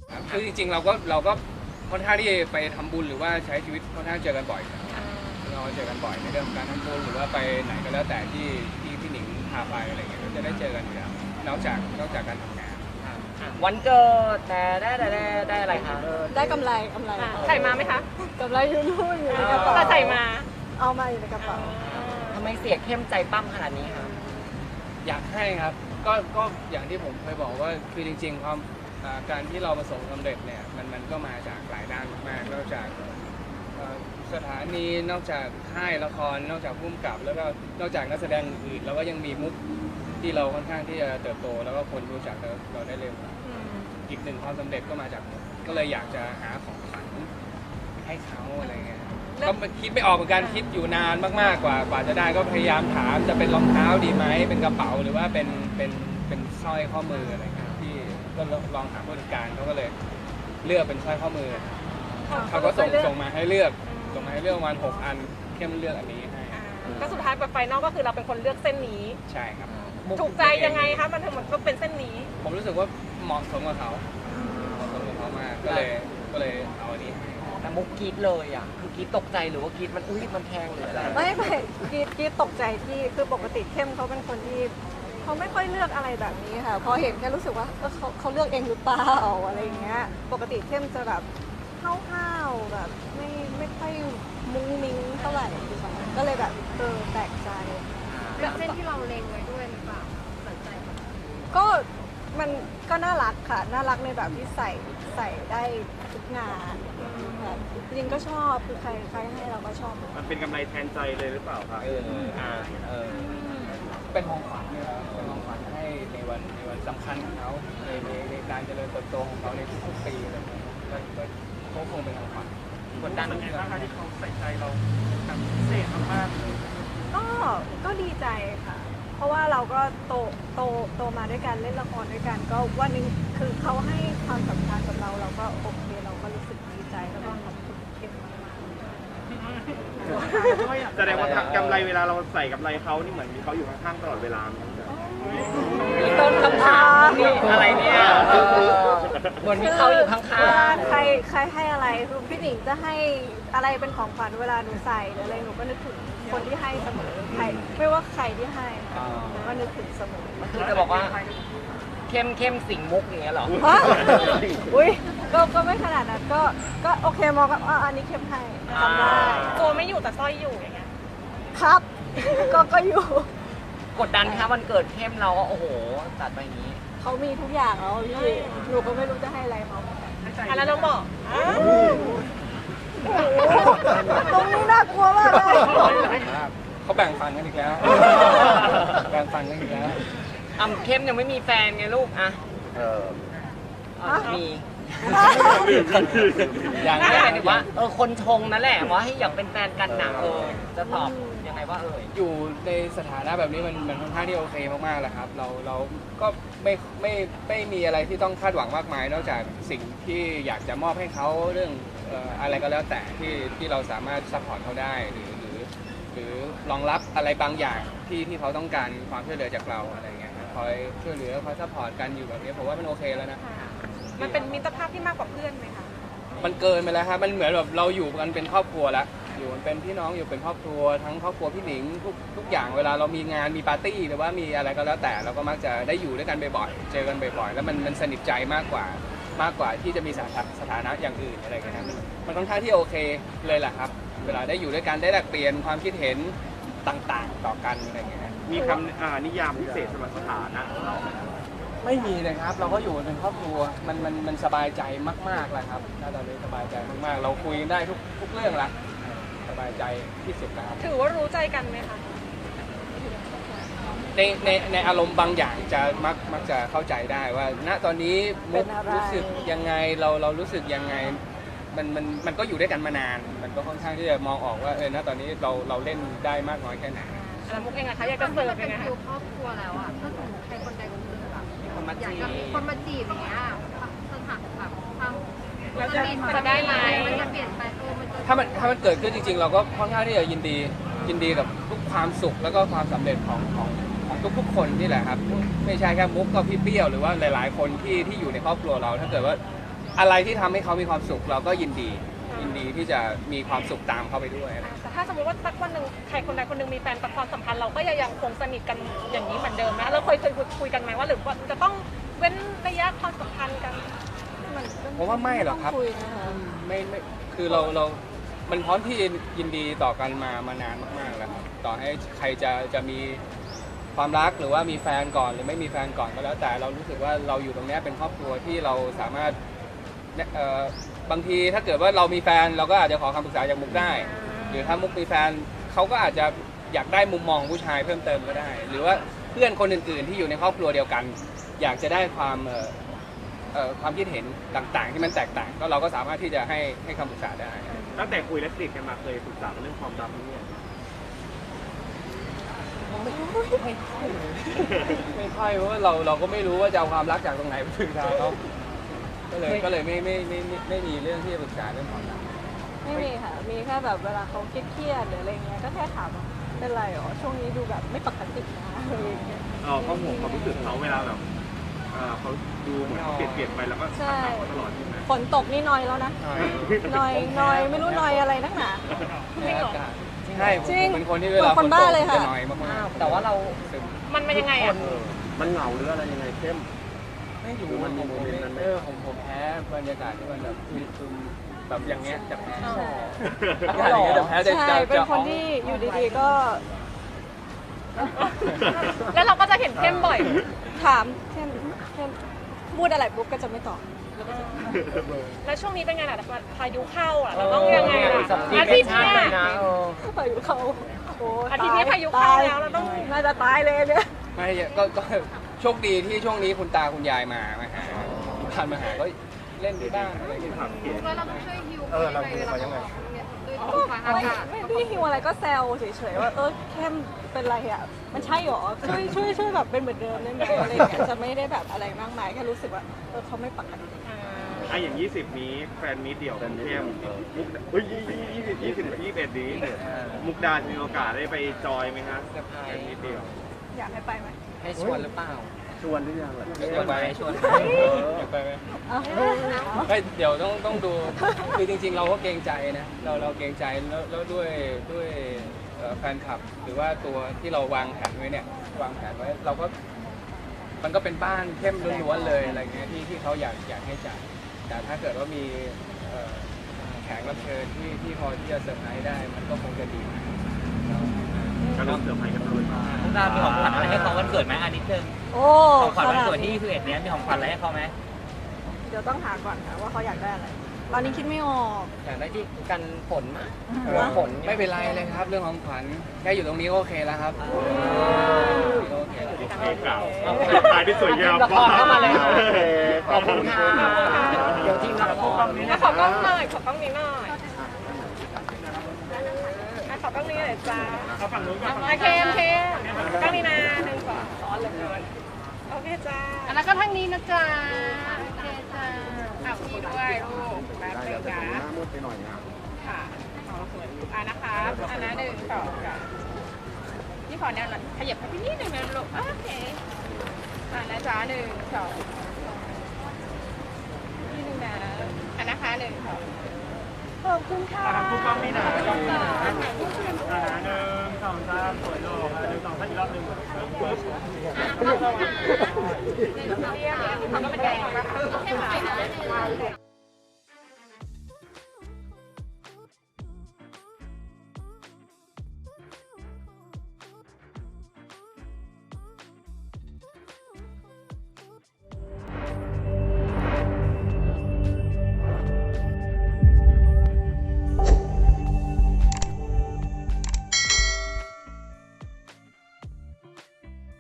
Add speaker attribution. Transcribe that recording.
Speaker 1: คือจริงๆเราก็ค่อนข้างที่ไปทำบุญหรือว่าใช้ชีวิตค่อนข้างเจอกันบ่อยเราเจอกันบ่อยในเรื่องของการทำบุญหรือว่าไปไหนก็แล้วแต่ที่พี่หนิงพาไปอะไรเงี้ยก็จะได้เจอกันอยู่แล้วนอกจากการทำงาน
Speaker 2: วันเกิดแต่ได้อะไรคะ
Speaker 3: ได้กำไร
Speaker 4: ใส่มาไหมคะ
Speaker 3: กำไรอยู่นู่นอยู่ในกระเป๋า
Speaker 4: แต่ใส่มา
Speaker 3: เอามาอยู่ในกระเป๋า
Speaker 2: ทำไมเสียเข้มใจปั้มขนาดนี้คะ
Speaker 1: อยากให้ครับก็อย่างที่ผมเคยบอกว่าคือจริงๆความการที่เราประสบความสำเร็จเนี่ยมันก็มาจากหลายด้านมากๆนอกจากสถานีนอกจากค่ายละครนอกจากผู้กำกับแล้วก็นอกจากนักแสดงอื่นเราก็ยังมีมุกที่เราค่อนข้างที่จะเติบโตแล้วก็คนรู้จักเราได้เร็วอีกหนึ่งความสำเร็จก็มาจากมุกก็เลยอยากจะหาของขวัญให้เขาอะไรเงี้ยก็คิดไม่ออกเหมือนกันคิดอยู่นานมากๆกว่าจะได้ก็พยายามถามจะเป็นรองเท้าดีไหมเป็นกระเป๋าหรือว่าเป็นสร้อยข้อมืออะไรเงี้ยที่ก็ลองถามผู้จัดการเขาก็เลยเลือกเป็นสร้อยข้อมือเขาก็ส่งมาให้เลือกประมาณ6 อันเข้มเลือกอันนี้ให้
Speaker 4: ก็สุดท้ายแบบไฟนอลก็คือเราเป็นคนเลือกเส้นนี้
Speaker 1: ใช่ครับ
Speaker 4: ถูกใจยังไงคะมันถึงมันก็เป็นเส้นนี้
Speaker 1: ผมรู้สึกว่าเหมาะสมกับเขามากก็เลยเอาอันนี้
Speaker 2: แต่มุกกรีดเลยอ่ะคือกรีดตกใจหรือว่ากรีดมันมันแพงหรืออะไร
Speaker 3: ไม่กีตกใจที่คือปกติเข้มเขาเป็นคนที่เขาไม่ค่อยเลือกอะไรแบบนี้ค่ะพอเห็นแค่รู้สึกว่าเขาเลือกเองหรือเปล่าอะไรอย่างเงี้ยปกติเข้มจะแบบห้าวๆแบบไม่ค่อยมุ้งมิ้งเท่าไหร่ก็เลยแบบแปลกใจ
Speaker 4: เป็นเส้นที่เราเล็งไว้ด้วยหรือเปล่าสนใจ
Speaker 3: ก็มันก็น่ารักค่ะน่ารักในแบบที่ใส่ได้ทุกงานจริงก็ชอบคือใครให้เราก็ชอบ
Speaker 5: มันเป็นกำไรแทนใจเลยหรือเปล่าครับ
Speaker 1: เป็นของขวัญนะครับเป็นของขวัญให้ในวันสำคัญของเขาในการเจริญเติบโตของเขาในทุกๆปีอะไรอย่างเงี้ยก็คงเป็นของขวัญ
Speaker 5: กดดันเหมือนกันนะคะที่เขาใส่ใจเราแบบพิเศษมากเลย
Speaker 3: ก็ดีใจค่ะเพราะว่าเราก็โตมาด้วยกันเล่นละครด้วยกันก็วันนึงคือเขาให้ความสำคัญกับเราก็โอเคเราก็รู้สึกดีใจแล้วก็ขอบคุณเก่งมาก
Speaker 5: ๆแสดงว่ากำไรเวลาเราใส่กับไรเขานี่เหมือนมีเขาอยู่ข้างๆตลอดเวลา
Speaker 2: มีต้นคำถามนี่อะไรเนี่ยเหมือนมีเขาอยู่ข้าง
Speaker 3: ๆใครให้อะไรคือพี่หนิงจะให้อะไรเป็นของขวัญเวลาหนูใส่หรืออะไรหนูก็นึกถึงคนที่ให้เสมอใครไม่ว่าใครที่ให้หนูก็นึกถึงเสมอ
Speaker 2: คือจะบอกว่าเข้มสิงมุกอย่างเงี้ยหรอ
Speaker 3: อุ้ยก็ไม่ขนาดนั้นก็โอเคมองว่าอันนี้เข้มให้ทำได้
Speaker 4: ตัวไม่อยู่แต่สร้อยอยู่อย่างเงี้ย
Speaker 3: ครับก็อยู่
Speaker 2: กดดันค่ะวันเกิดเข้มเราก็โอ้โหตัดไปอย่างนี้
Speaker 3: เขามีทุกอย่างแล้วพี่หนูก็ไม่รู้จะให้อะไรเขา
Speaker 4: แล้วเราบอก
Speaker 3: ตรงนี้น่ากลัวมากเลย
Speaker 1: เขาแบ่งฟันกันอีกแล้วแบ่งฟันกันอีกแล้ว
Speaker 2: เข้มยังไม่มีแฟนไงลูกอะมีอย่างนี้หมายถึงว่าคนชงนั่นแหละว่าให้อยากเป็นแฟนกันหนักจะตอบยังไงว่า
Speaker 1: อยู่ในสถานะแบบนี้มันค่อนข้างที่โอเคมากๆแล้วครับเราก็ไม่มีอะไรที่ต้องคาดหวังมากมายนอกจากสิ่งที่อยากจะมอบให้เขาเรื่องอะไรก็แล้วแต่ที่เราสามารถซัพพอร์ตเขาได้หรือรองรับอะไรบางอย่างที่เขาต้องการความช่วยเหลือจากเราอะไรเงี้ยคอยช่วยเหลือคอยซัพพอร์ตกันอยู่แบบนี้ผมว่ามันโอเคแล้วนะ
Speaker 4: มันเป็นมิตรภาพที่มากกว่าเพื่อนไหมคะ
Speaker 1: มันเกินไปแล้วครับมันเหมือนแบบเราอยู่กันเป็นครอบครัวแล้วอยู่เป็นพี่น้องอยู่เป็นครอบครัวทั้งครอบครัวพี่หนิงทุกอย่างเวลาเรามีงานมีปาร์ตี้หรือว่ามีอะไรก็แล้วแต่เราก็มักจะได้อยู่ด้วยกันบ่อยๆเจอกันบ่อยๆแล้วมันสนิทใจมากกว่าที่จะมีสถานะอย่างอื่นอะไรกันนะมันค่อนข้างที่โอเคเลยแหละครับเวลาได้อยู่ด้วยกันได้แลกเปลี่ยนความคิดเห็นต่างๆต่อกันอะไรเงี้ย
Speaker 5: มีคำนิยามพิเศษสำหรับสถานะของเรา
Speaker 1: ไม่มีเลยครับเราก็อยู่เป็นครอบครัวมันสบายใจมากๆแล้วครับตอนนี้สบายใจมากๆเราคุยได้ทุกเรื่องละสบายใจที่สุดแล้ว
Speaker 4: ถือว่ารู้ใจกันไหมคะ
Speaker 1: ในอารมณ์บางอย่างจะมักจะเข้าใจได้ว่าณตอนนี้มุกรู้สึกยังไงเรารู้สึกยังไงมันก็อยู่ด้วยกันมานานมันก็ค่อนข้างที่จะมองออกว่าณตอนนี้เราเล่นได้มากน้อยแค่ไหน
Speaker 4: แล้วมุกเองอะคะอยากจะเสิร์ฟยังไง
Speaker 6: คือครอบครัวแล้วอะถ้าสมมติใครคนใดคนหนึ่งแบบอยากจะมีคนมาจีบอย่างเงี้ยสถานแบบความ
Speaker 4: จะได้ไหม
Speaker 6: มันจะเปลี่ยนไป
Speaker 1: ถ้ามันเกิดขึ้นจริงๆเราก็ค่อนข้างที่จะยินดีกับทุกความสุขแล้วก็ความสำเร็จของทุกคนนี่แหละครับไม่ใช่แค่มุกก็พี่เปี้ยวหรือว่าหลายๆคนที่อยู่ในครอบครัวเราถ้าเกิดว่าอะไรที่ทำให้เขามีความสุขเราก็ยินดีที่จะมีความสุขตามเขาไปด้วยอะไร
Speaker 7: แต่ถ้าสมมติว่าสักวันหนึ่งใครคนใดคนหนึ่งมีแฟนแต่ความสัมพันธ์เราก็ยังคงสนิทกันอย่างนี้เหมือนเดิมไหมเราเคยคุยกันไหมว่าหรือว่าจะต้องเว้นระยะความสัมพันธ์กัน
Speaker 1: ผมว่าไม่หรอกครับ
Speaker 3: คุยนะคะ
Speaker 1: ไม่คือเรามันพร้อมที่ยินดีต่อกันมานานมากๆแล้วครับต่อให้ใครจะมีความรักหรือว่ามีแฟนก่อนหรือไม่มีแฟนก่อนก็แล้วแต่เรารู้สึกว่าเราอยู่ตรงนี้เป็นครอบครัวที่เราสามารถบางทีถ้าเกิดว่าเรามีแฟนเราก็อาจจะขอคำปรึกษาจากมุกได้ หรือถ้ามุกมีแฟนเขาก็อาจจะอยากได้มุมมองผู้ชายเพิ่มเติมก็ได้ หรือว่าเพื่อนคนอื่นๆที่อยู่ในครอบครัวเดียวกัน อยากจะได้ความคิดเห็นต่างๆ ที่มันแตกต่างก็เราก็สามารถที่จะให้คำปรึกษาได้
Speaker 5: ตั้งแต่คุยและสนิทกันมาเคยปรึกษาเรื่องความรักเนี่ย
Speaker 1: ไม่ค่อยเพราะว่าเราก็ไม่รู้ว่าจะเอาความรักจากตรงไหนไปปรึกษาเขาก็เลยไม่มีเรื่องที่จะปรึกษาเรื่องความรัก
Speaker 3: ไม่มีค่ะ มีแค่แบบเวลาเขาเครียดๆหรืออะไรเงี้ยก็แค่ถามว่าเป็นไรอ๋อช่วงนี้ดูแบบไม่ปกตินะอะไรอย่างเงี้ย
Speaker 5: เขาห่วงความรู้สึกเขาเวลาแบบเขาดูเหมือนเขาเปลี่ยนไปแล้วก็ถามเขาตลอดใช่ไหม
Speaker 3: ฝนตกนี่นอยแล้วนะนอยไม่รู้นอยอะไรนักหนา
Speaker 1: ใช่
Speaker 3: จริง
Speaker 1: ผมเป็นคนที่เวลา
Speaker 3: คนบ้าเลยค่ะ
Speaker 1: จะน้อยมากๆ
Speaker 2: แต่ว่าเรา
Speaker 7: มันเป็นยังไงอ่ะ
Speaker 5: มันเหงาหรืออะไรยังไงเข้ม
Speaker 1: ไม่รู้
Speaker 5: มันมีโมเมนต์นั้นไหม
Speaker 1: ผมแพ้บรรยากาศที่มันแบบซึมๆแบบอย่างเงี้ยจะแพ้
Speaker 3: อ๋อ
Speaker 1: อากาศอย่างเงี้ยจะแพ้จะ
Speaker 3: ใช่ เป็นคนที่อยู่ดีๆก็
Speaker 7: แล้วเราก็จะเห็นเข้มบ่อย
Speaker 3: ถามเข้มพูดอะไรปุ๊บก็จะไม่ตอบ
Speaker 7: แล้วช่วงนี้เป็นไงล่ะพายุเข้าอ่ะเราต้องยังไงล่ะ
Speaker 2: อา
Speaker 7: อา
Speaker 2: ทิ
Speaker 7: ทิ
Speaker 2: ต
Speaker 7: ต
Speaker 2: ย์
Speaker 7: ย์
Speaker 2: หน้า
Speaker 7: เนี้ย
Speaker 2: นะ
Speaker 3: พายุเข้าโอ้
Speaker 7: อาทิตย์นี้พายุเข้าแล้วเราต้อง
Speaker 3: น่าจะตายเลยเนี่ย
Speaker 1: ไม่ก็โชคดีที่ช่วงนี้คุณตาคุณยายมาหาผ่านมาหาก็เล่นด้วยบ้างอะไรอย่างเงี้ย
Speaker 6: แล้วเราต้องช่วยฮิวเขายังไงด้วยตัวฟ้าอากาศ
Speaker 3: ไม่ได้ฮิวอะไรก็แซวเฉยๆว่าเข้มเป็นไรอ่ะมันใช่หรอช่วยแบบเป็นเหมือนเดิมได้ไหมอะไรอย่างเงี้ยจะไม่ได้แบบอะไรมากมายแค่รู้สึกว่าเขาไม่ปกติ
Speaker 5: อย่าง 20 นี้แฟนมีเดี่ยวของเข้มมุกเฮ้ย21 นี้มุกดาจะมีโอกาสได้ไปจอยไหมครับแฟนมีเดี่ยว
Speaker 3: อยากให้ไปไหม
Speaker 2: ให้ชวนหรือเปล่า
Speaker 5: ชวนหรือยังล่ะ
Speaker 2: ชวนไหมชวนไหม
Speaker 1: อยากไปไหม
Speaker 3: เอา
Speaker 1: ไม่เดี๋ยวต้องดูคือจริงๆ เราก็เกรงใจนะเราเกรงใจแล้วด้วยแฟนคลับ หรือว่าตัวที่เราวางแผนไว้เนี่ยวางแผนไว้เราก็มันก็เป็นบ้านเข้มล้วนๆเลยอะไรเงี้ยที่เขาอยากให้จัดแต่ถ้าเกิดว่ามีแขกรับเชิญที่พอที่จะเซอร์ไพรส์ได้มันก็คงจะดีมาก
Speaker 5: ก็ต้องเซอร์ไพรส์กันเลย
Speaker 2: มุกดามีของขวัญอะไรให้เขาวันเกิดไหมอันนิดนึง
Speaker 3: โอ้
Speaker 2: ของขวัญวันเกิดที่21เนี้ยมีของขวัญอะไรให้เขาไหม
Speaker 3: เดี๋ยวต้องหาก่อนค่ะว่าเขาอยากได้อะไร ตอนนี้คิดไม่ออก
Speaker 2: อยากได้ที่กันฝนมั้ย
Speaker 1: ฝนไม่เป็นไรเลยครับ เรื่องของขวัญแค่อยู่ตรงนี้ก็โอเคแล้วครับโอเค
Speaker 5: เอกล่าวตายที่สวยงาม
Speaker 2: ละครเข้ามาเลยขอบคุณค่ะเดี๋ยวทีมงาน
Speaker 7: ขอกล้องหน่อยขอกล้องนี้หน่อยขอกล้องนี้หน่อยจ้า
Speaker 5: เอาฝั่งนู้นก่อน
Speaker 7: โอเคกล้องนี้นะ1 2ซ้อนเลยโอเคจ้า
Speaker 6: แล้วก็ทางนี้นะจ๊ะโอเคจ้ะ
Speaker 7: ข่าวดีด้วยลูกแป๊บนึงนะ
Speaker 5: หน้ามืดไปหน่อยนะ
Speaker 7: ค่ะนะคะอันนั้น1 2ค่ะนี่ขอแนวหน่อยขยับไปนิดนึงนะลูกโอเคนะจ๊ะ1 2นี่นึงนะอันนะคะ1 2
Speaker 3: ขอบคุณค่ะ
Speaker 5: ผู้กล้องนี่นะ1 2 3สวยโลก1 2 3อีกรอบหนึ่งปึ๊บ
Speaker 7: เขาก็เป็นแดง